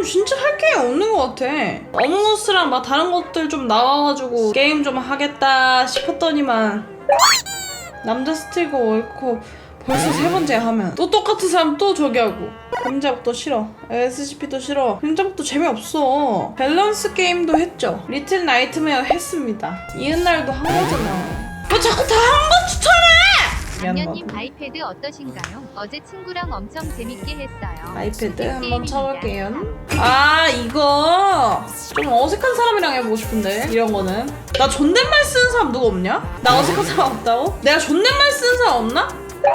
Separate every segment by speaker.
Speaker 1: 진짜 할 게 없는 것 같아. 어몽어스랑 막 다른 것들 좀 나와가지고 게임 좀 하겠다 싶었더니만 남자 스티거 옳고 벌써 세 번째 하면 또 똑같은 사람 또 저기 하고 감자국도 싫어, SCP도 싫어, 감자국도 재미없어. 밸런스 게임도 했죠. 리틀 나이트메어 했습니다. 이은날도 한 거잖아. 왜 자꾸 다 한 거 추천해!
Speaker 2: 양녀님 아이패드 어떠신가요? 어제 친구랑 엄청 재밌게 했어요.
Speaker 1: 아이패드 한번 쳐볼게요. 아 이거 좀 어색한 사람이랑 해보고 싶은데 이런 거는. 나 존댓말 쓰는 사람 누구 없냐? 나 어색한 사람 없다고? 내가 존댓말 쓰는 사람 없나?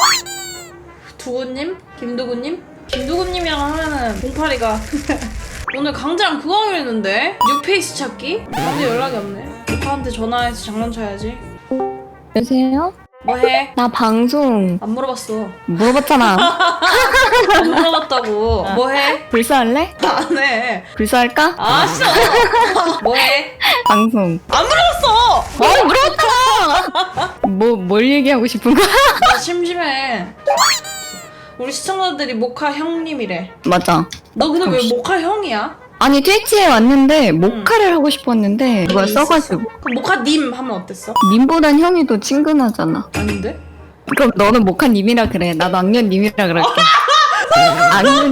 Speaker 1: 두구님? 김두구님? 김두구님이랑 하면은 08이가 오늘 강제랑 그거 하기로 했는데 뉴페이스 찾기? 아무 연락이 없네. 오빠한테 전화해서 장난쳐야지.
Speaker 3: 여보세요?
Speaker 1: 뭐해?
Speaker 3: 나 방송
Speaker 1: 안 물어봤어.
Speaker 3: 물어봤잖아.
Speaker 1: 안 물어봤다고. 뭐해?
Speaker 3: 불사할래?
Speaker 1: 안해.
Speaker 3: 불사할까?
Speaker 1: 아 싫어. 뭐해?
Speaker 3: 방송.
Speaker 1: 안 물어봤어.
Speaker 3: 물어봤잖아. 뭘 얘기하고 싶은 거야?
Speaker 1: 나 심심해. 우리 시청자들이 모카 형님이래.
Speaker 3: 맞아.
Speaker 1: 너 근데 왜
Speaker 3: 혹시-
Speaker 1: 모카 형이야?
Speaker 3: 아니 트위치에 왔는데 모카를 하고 싶었는데 누가 써가지고.
Speaker 1: 그럼 모카님 하면 어땠어?
Speaker 3: 님보단 형이 더 친근하잖아.
Speaker 1: 아닌데?
Speaker 3: 그럼 너는 모카님이라 그래. 나도 악녀님이라 그럴게. 악녀님.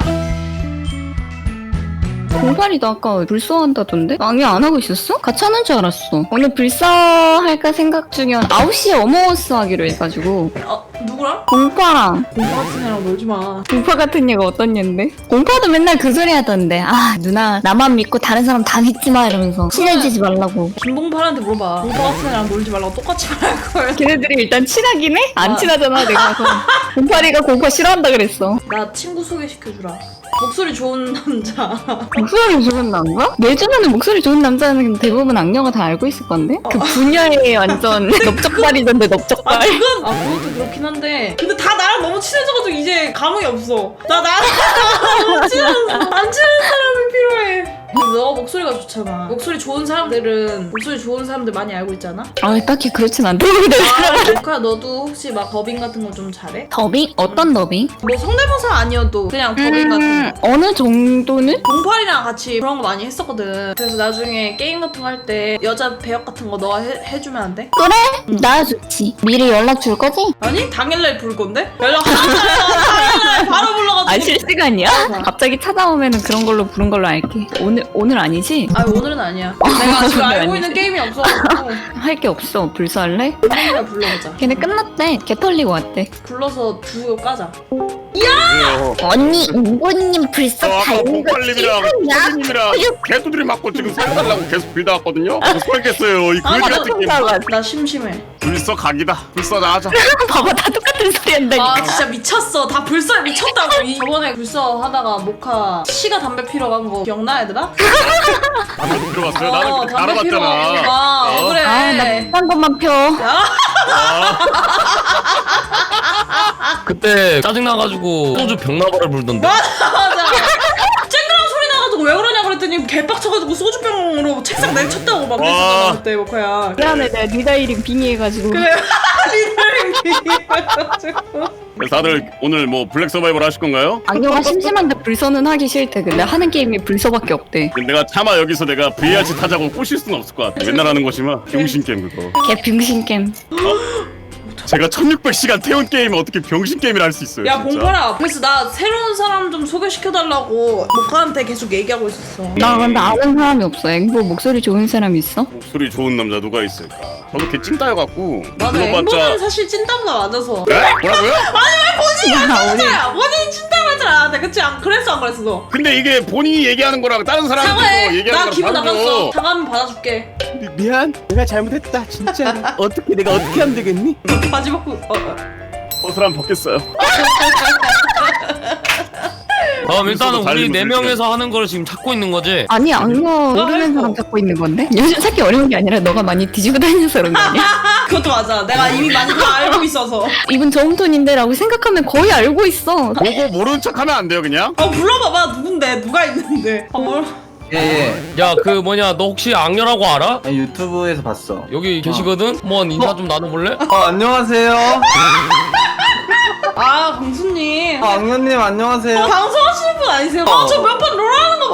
Speaker 3: 공팔이도 아까 불사한다던데? 악녀 안 하고 있었어? 같이 하는 줄 알았어. 오늘 불사할까 생각 중이었 9시에 어머워스 하기로 해가지고
Speaker 1: 누구랑?
Speaker 3: 공파랑.
Speaker 1: 공파 같은 애랑 놀지 마.
Speaker 3: 공파 같은 얘가 어떤 얘인데? 공파도 맨날 그 소리 하던데. 아 누나 나만 믿고 다른 사람 다 믿지 마 이러면서 친해지지 말라고.
Speaker 1: 김봉팔한테 물어봐. 공파 같은 애랑 놀지 말라고 똑같이 말할 걸.
Speaker 3: 걔네들이 일단 친하긴 해? 안 친하잖아 내가. 공파리가 공파 싫어한다 그랬어.
Speaker 1: 나 친구 소개시켜주라. 목소리 좋은 남자.
Speaker 3: 목소리 좋은 남자? 내 주변에 목소리 좋은 남자는 대부분 악녀가 다 알고 있을 건데? 그 분야에 완전 넓적발이던데
Speaker 1: 아
Speaker 3: 넓적발.
Speaker 1: 그건 그것도 그렇긴 한데 근데 다 나랑 너무 친해져가지고 이제 감흥이 없어. 나랑 너무 안 친한 사람이 필요해. 근데 너 목소리가 좋잖아. 목소리 좋은 사람들은 목소리 좋은 사람들 많이 알고 있잖아.
Speaker 3: 아 딱히 그렇진 않던데.
Speaker 1: 모카 너도 혹시 막 더빙 같은 거 좀 잘해?
Speaker 3: 더빙? 어떤 더빙?
Speaker 1: 뭐 성대모사 아니어도 그냥 더빙 같은 거.
Speaker 3: 어느 정도는?
Speaker 1: 봉팔이랑 같이 그런 거 많이 했었거든. 그래서 나중에 게임 같은 거 할 때 여자 배역 같은 거 너가 해주면 안 돼?
Speaker 3: 그래? 나 좋지. 미리 연락 줄 거지?
Speaker 1: 아니 당일날 부를 건데? 연락 당일날 바로 불러가지고.
Speaker 3: 아 실시간이야? 갑자기 찾아오면은 그런 걸로 부른 걸로 알게. 오늘 아니지?
Speaker 1: 아 오늘은 아니야. 내가 지금
Speaker 3: 오늘
Speaker 1: 알고
Speaker 3: 아니지.
Speaker 1: 있는 게임이 없어가지고
Speaker 3: 할 게 없어. 불사할래?
Speaker 1: 당일날 불러보자.
Speaker 3: 걔네 끝났대. 개 털리고 왔대.
Speaker 1: 불러서 두고 까자.
Speaker 3: 언니 우고님 불사 닮은 거
Speaker 4: 공팔님이랑 소리님이랑 개두들이 맞고 지금 살달라고 계속 빌다 왔거든요. 그래서 설겠어요. 이
Speaker 1: 아,
Speaker 4: 그지 같은 게임.
Speaker 1: 나 심심해.
Speaker 4: 불써 각이다. 불써나 하자.
Speaker 3: 봐봐 다 똑같은 소리 한다니까.
Speaker 1: 아 진짜 미쳤어. 다 불사 미쳤다고. 저번에 불사 하다가 모카 시가 담배 피러 간 거 기억나 얘들아?
Speaker 4: 담배 들어갔어요. 나는 그때
Speaker 1: 담배 피러
Speaker 4: 알아봤잖아.
Speaker 1: 가. 그래.
Speaker 3: 나 비싼 것만 펴.
Speaker 1: 야.
Speaker 5: 그때 짜증나가지고 소주 병나발을 불던데.
Speaker 1: 맞아. 쨍그랑 소리 나가지고 왜 그러냐 그랬더니 개빡쳐가지고 소주병으로 책상 내쳤다고 막 그랬었잖아 그때 모카야.
Speaker 3: 미안해 내가 니다이링 빙의해가지고.
Speaker 1: 그래. 리더링 비해가지고.
Speaker 4: 그래서 다들 오늘 뭐 블랙 서바이벌 하실 건가요?
Speaker 3: 악녀가 심심한데 불서는 하기 싫대. 근데 하는 게임이 불서밖에 없대.
Speaker 4: 내가 차마 여기서 내가 VRC 타자고 꼬실 수는 없을 것 같아. 맨날 하는 것이면 병신 게임 그거.
Speaker 3: 개 병신 게임.
Speaker 4: 제가 1600시간 태운 게임을 어떻게 병신 게임을 할 수 있어요?
Speaker 1: 야
Speaker 4: 진짜.
Speaker 1: 봉파라. 그래서 나 새로운 사람 좀 소개시켜달라고 모카한테 계속 얘기하고 있었어.
Speaker 3: 나 근데 아는 사람이 없어. 앵보 목소리 좋은 사람 있어?
Speaker 4: 목소리 좋은 남자 누가 있을까? 저도 걔 찐따여갖고
Speaker 1: 맞아. 앵보는 사실 찐따보다 맞아서.
Speaker 4: 네? 뭐라고요?
Speaker 3: 야 오늘
Speaker 1: 야 본인 찐따고 했잖아. 나 그치? 그랬어 안 그랬어 너?
Speaker 4: 근데 이게 본인이 얘기하는 거랑 다른 사람이
Speaker 1: 사과해.
Speaker 4: 얘기하는
Speaker 1: 나
Speaker 4: 거랑
Speaker 1: 기분
Speaker 4: 다른
Speaker 1: 나빴어.
Speaker 4: 거.
Speaker 1: 사과하면 받아줄게.
Speaker 6: 미안, 내가 잘못했다. 진짜. 어떻게 내가 어떻게 하면 되겠니?
Speaker 1: 바지 벗고.
Speaker 4: 옷을 안 벗겠어요.
Speaker 5: 일단은
Speaker 4: 잘
Speaker 5: 우리
Speaker 4: 입으면
Speaker 5: 4명에서 하는 걸 지금 찾고 있는 거지.
Speaker 3: 아니 악녀 모르는 사람 찾고 있는 건데? 요즘 찾기 어려운 게 아니라 너가 많이 뒤지고 다녀서 그런 거 아니야?
Speaker 1: 그것도 맞아. 내가 이미 많이 다 알고 있어서.
Speaker 3: 이분 저음톤인데 라고 생각하면 거의 알고 있어.
Speaker 4: 보고 모르는 척하면 안 돼요 그냥?
Speaker 1: 불러봐봐. 누군데? 누가 있는데?
Speaker 6: 예.
Speaker 5: 야 그 뭐냐 너 혹시 악녀라고 알아?
Speaker 6: 유튜브에서 봤어.
Speaker 5: 여기 계시거든? 한번 인사 좀 나눠볼래?
Speaker 6: 안녕하세요.
Speaker 1: 아 강수님.
Speaker 6: 악녀님 안녕하세요.
Speaker 1: 방송하시는 분 아니세요? 저 몇 번 롤하는 거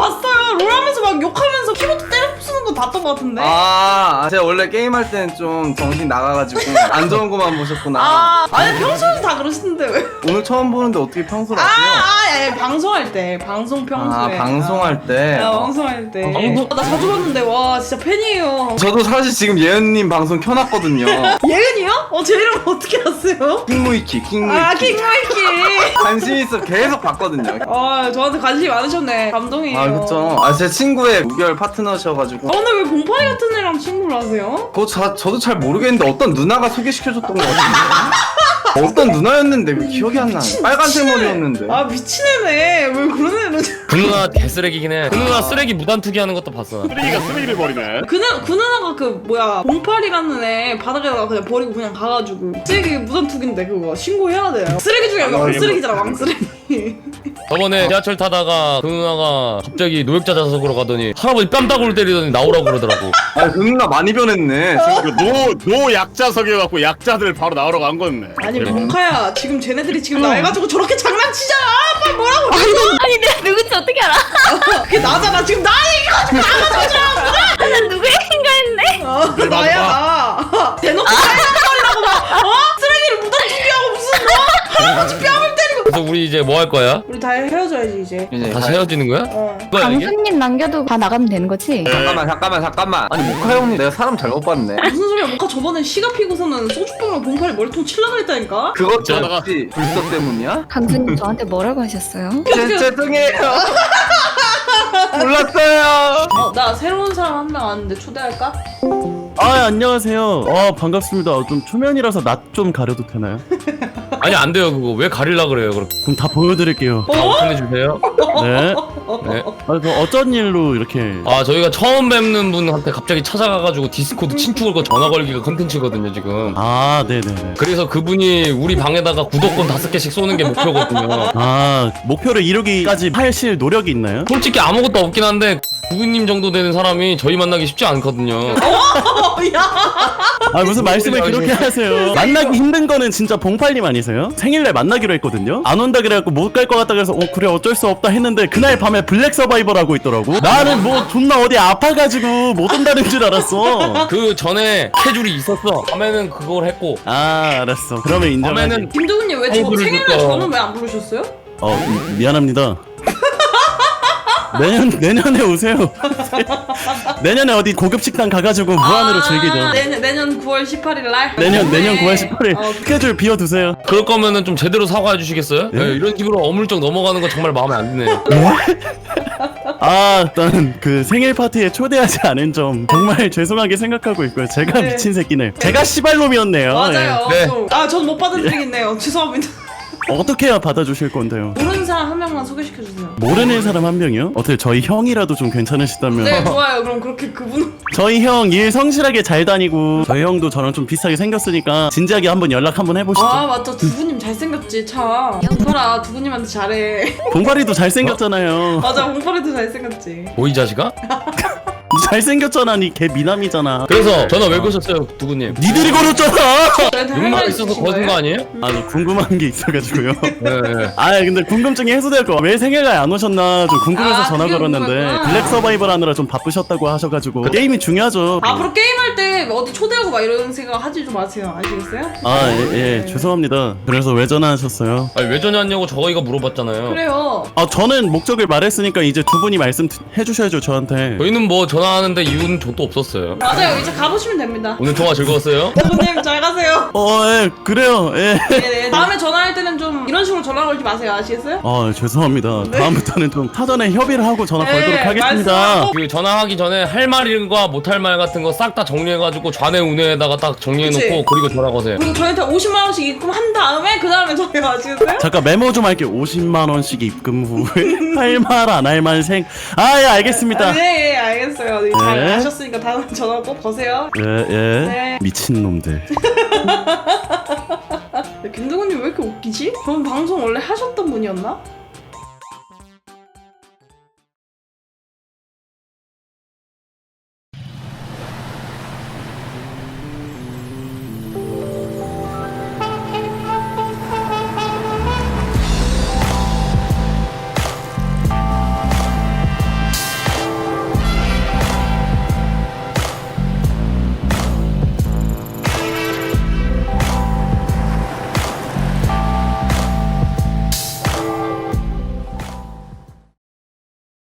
Speaker 1: 막 욕하면서 키보드 때려 부수는 거 봤던 거 같은데?
Speaker 7: 제가 원래 게임할 때는 좀 정신 나가가지고 안 좋은 것만 보셨구나.
Speaker 1: 아니 평소에도 다 그러시는데 왜?
Speaker 7: 오늘 처음 보는데 어떻게 평소를 하세요?
Speaker 1: 야, 방송할 때 방송 평소에
Speaker 7: 방송할 때.
Speaker 1: 방송할 때
Speaker 5: 방송?
Speaker 1: 나 자주 봤는데 와 진짜 팬이에요.
Speaker 7: 저도 사실 지금 예은님 방송 켜놨거든요.
Speaker 1: 예은이요? 제 이름 어떻게 아세요?
Speaker 7: 킹무이키.
Speaker 1: 킹마이키.
Speaker 7: 관심 있어 계속 봤거든요.
Speaker 1: 저한테 관심이 많으셨네. 감동이에요.
Speaker 7: 그쵸. 제 친구의 무결 파트너셔가지고.
Speaker 1: 근데 왜 봉파리 같은 애랑 친구를 하세요?
Speaker 7: 그거 저도 잘 모르겠는데 어떤 누나가 소개시켜줬던 것 같은데. 어떤 누나였는데 왜 기억이 안 나네. 빨간색 머리였는데.
Speaker 1: 미친 애네. 왜 그런 애는?
Speaker 5: 그 누나 개쓰레기긴 해. 그 누나 쓰레기 무단투기 하는 것도 봤어.
Speaker 4: 쓰레기가 쓰레기를 버리네.
Speaker 1: 그 누나가 봉파리라는 애 바닥에다가 그냥 버리고 그냥 가가지고 쓰레기 무단투기인데 그거 신고해야 돼요. 쓰레기 중에 왕쓰레기잖아 왕쓰레기.
Speaker 5: 저번에 지하철 타다가 그 누나가 갑자기 노약자 좌석으로 가더니 할아버지 뺨따구를 때리더니 나오라고 그러더라고.
Speaker 7: 그 누나 많이 변했네.
Speaker 4: 노 약자석이어갖고 약자들 바로 나오러 간 거였네.
Speaker 1: 아니 봉카야 지금 쟤네들이 지금 나 해가지고 저렇게 장난치잖아. 빨리 뭐라고?
Speaker 3: 아니 내가 누군지 어떻게 알아?
Speaker 1: 그게 나잖아 지금 나 얘기가지고 나가지고
Speaker 3: 난 누구 얘긴가 했네.
Speaker 1: 나 나야 나. 대놓고 살려달라고 막 쓰레기를 무단투기하고 무슨 할아버지 뺨을 때리고.
Speaker 5: 그래서 우리 이제 뭐 할 거야?
Speaker 1: 우리 다 헤어져야지 이제.
Speaker 5: 다시 헤어지는 거야? 뭐야 이게?
Speaker 3: 강수님 남겨도 다 나가면 되는 거지?
Speaker 7: 잠깐만. 아니 모카 형님 내가 사람 잘못 봤네.
Speaker 1: 무슨 소리야? 모카 저번에 시가 피고서는 소주병으로 봉파리 머리통 칠라 그랬다니까.
Speaker 7: 그것도
Speaker 5: 저다가-
Speaker 7: 혹시 불서 때문이야?
Speaker 3: 강수님 저한테 뭐라고 하셨어요?
Speaker 7: 죄송해요. 몰랐어요.
Speaker 1: 나 새로운 사람 한 명 왔는데 초대할까?
Speaker 6: 안녕하세요. 반갑습니다. 좀 초면이라서 낯 좀 가려도 되나요?
Speaker 5: 아니 안 돼요 그거. 왜 가릴라 그래요? 그럼
Speaker 6: 그럼 다 보여드릴게요.
Speaker 5: 보내주세요.
Speaker 6: 네.
Speaker 5: 네.
Speaker 6: 그 어쩐 일로 이렇게
Speaker 5: 저희가 처음 뵙는 분한테 갑자기 찾아가가지고 디스코드 친추 걸고 전화 걸기가 컨텐츠거든요 지금.
Speaker 6: 네네네.
Speaker 5: 그래서 그분이 우리 방에다가 구독권 5개씩 쏘는 게 목표거든요.
Speaker 6: 목표를 이루기까지 하실 노력이 있나요?
Speaker 5: 솔직히 아무것도 없긴 한데 부부님 정도 되는 사람이 저희 만나기 쉽지 않거든요.
Speaker 6: 무슨 말씀을 그렇게 하세요. 만나기 힘든 거는 진짜 봉팔님 아니세요? 생일날 만나기로 했거든요. 안 온다 그래갖고 못 갈 것 같다 그래서 그래 어쩔 수 없다 했는데 그날 밤에 블랙 서바이벌 하고 있더라고. 나는 뭐 존나 어디 아파가지고 못 온다는 줄 알았어.
Speaker 5: 그 전에 캐줄이 있었어. 밤에는 그걸 했고
Speaker 6: 알았어. 그러면 인정하지.
Speaker 5: 밤에는
Speaker 1: 김도훈님 왜 저
Speaker 5: 아이고를
Speaker 1: 생일날
Speaker 5: 듣고.
Speaker 1: 저는 왜 안 부르셨어요?
Speaker 6: 미안합니다. 내년에 오세요. 내년에 어디 고급 식당 가가지고 무한으로 즐기죠.
Speaker 1: 내년 9월 18일 날.
Speaker 6: 내년 9월 18일
Speaker 1: 어,
Speaker 6: 스케줄 비워두세요.
Speaker 5: 그럴 거면은 좀 제대로 사과해 주시겠어요?
Speaker 6: 네?
Speaker 5: 이런 식으로 어물쩍 넘어가는 거 정말 마음에 안 드네요.
Speaker 6: 일단 그 생일 파티에 초대하지 않은 점 정말 죄송하게 생각하고 있고요. 제가
Speaker 1: 네.
Speaker 6: 미친 새끼네. 제가 시발놈이었네요.
Speaker 1: 맞아요.
Speaker 5: 네.
Speaker 1: 전 못 받아드리겠네요. 죄송합니다.
Speaker 6: 어떻게 해야 받아주실 건데요?
Speaker 1: 모르는 사람 한 명만 소개시켜주세요.
Speaker 6: 모르는 사람 한 명이요? 어떻게 저희 형이라도 좀 괜찮으시다면
Speaker 1: 네, 좋아요. 그럼 그렇게 그분.
Speaker 6: 저희 형 일 성실하게 잘 다니고 저희 형도 저랑 좀 비슷하게 생겼으니까 진지하게 한번 연락 한번 해보시죠.
Speaker 1: 맞다. 두부님 잘생겼지, 참. 봉파라, 두부님한테 잘해.
Speaker 6: 봉파리도 잘생겼잖아요.
Speaker 1: 맞아, 봉파리도 잘생겼지.
Speaker 5: 뭐 이 자식아?
Speaker 6: 잘생겼잖아. 니 개 미남이잖아.
Speaker 5: 그래서 전화 왜 거셨어요 두부님?
Speaker 6: 니들이 걸었잖아.
Speaker 1: 저한테 할
Speaker 5: 욕만
Speaker 1: 말
Speaker 5: 있어서
Speaker 1: 있으신
Speaker 5: 거둔
Speaker 1: 거예요?
Speaker 5: 거 아니에요?
Speaker 6: 저 궁금한 게 있어가지고요.
Speaker 5: 네.
Speaker 6: 근데 궁금증이 해소될 거. 왜 생일날 안 오셨나 좀 궁금해서 전화
Speaker 1: 그게
Speaker 6: 걸었는데
Speaker 1: 궁금했구나.
Speaker 6: 블랙 서바이벌 하느라 좀 바쁘셨다고 하셔가지고 게임이 중요하죠.
Speaker 1: 앞으로 게임할 때 어디 초대하고 막 이런 생각 하지 좀 마세요. 아시겠어요?
Speaker 6: 예, 죄송합니다. 그래서 왜 전화하셨어요?
Speaker 5: 아니 왜 전화했냐고 저희가 물어봤잖아요.
Speaker 1: 그래요.
Speaker 6: 저는 목적을 말했으니까 이제 두 분이 말씀해주셔야죠 저한테.
Speaker 5: 저희는 뭐 전화하는데 이유는 저도 없었어요.
Speaker 1: 맞아요. 이제 가보시면 됩니다.
Speaker 5: 오늘 통화 즐거웠어요?
Speaker 1: 두부님 잘 가세요.
Speaker 6: 그래요. 예.
Speaker 1: 네네. 다음에 전화할 때는 좀 이런 식으로 전화 걸지 마세요. 아시겠어요?
Speaker 6: 죄송합니다. 다음부터는 좀 사전에 협의를 하고 전화 걸도록 하겠습니다.
Speaker 1: 말씀하고.
Speaker 5: 그 전화하기 전에 할 말과 못할 말 같은 거 싹 다 정리해가지고 좌뇌 우뇌에다가 딱 정리해놓고
Speaker 1: 그치.
Speaker 5: 그리고 전화 거세요.
Speaker 1: 그리고 저희한테 50만 원씩 입금한 다음에 그 다음에 저희가 아시겠어요?
Speaker 6: 잠깐 메모 좀 할게요. 50만 원씩 입금 후에 할 말 안 할 말 예, 알겠습니다.
Speaker 1: 네, 알겠어요. 잘
Speaker 6: 네.
Speaker 1: 아셨으니까 다음에 전화 꼭 거세요.
Speaker 6: 예.
Speaker 1: 네.
Speaker 6: 미친 놈들.
Speaker 1: 김동훈님 왜 이렇게 웃기지? 그럼 방송 원래 하셨던 분이었나?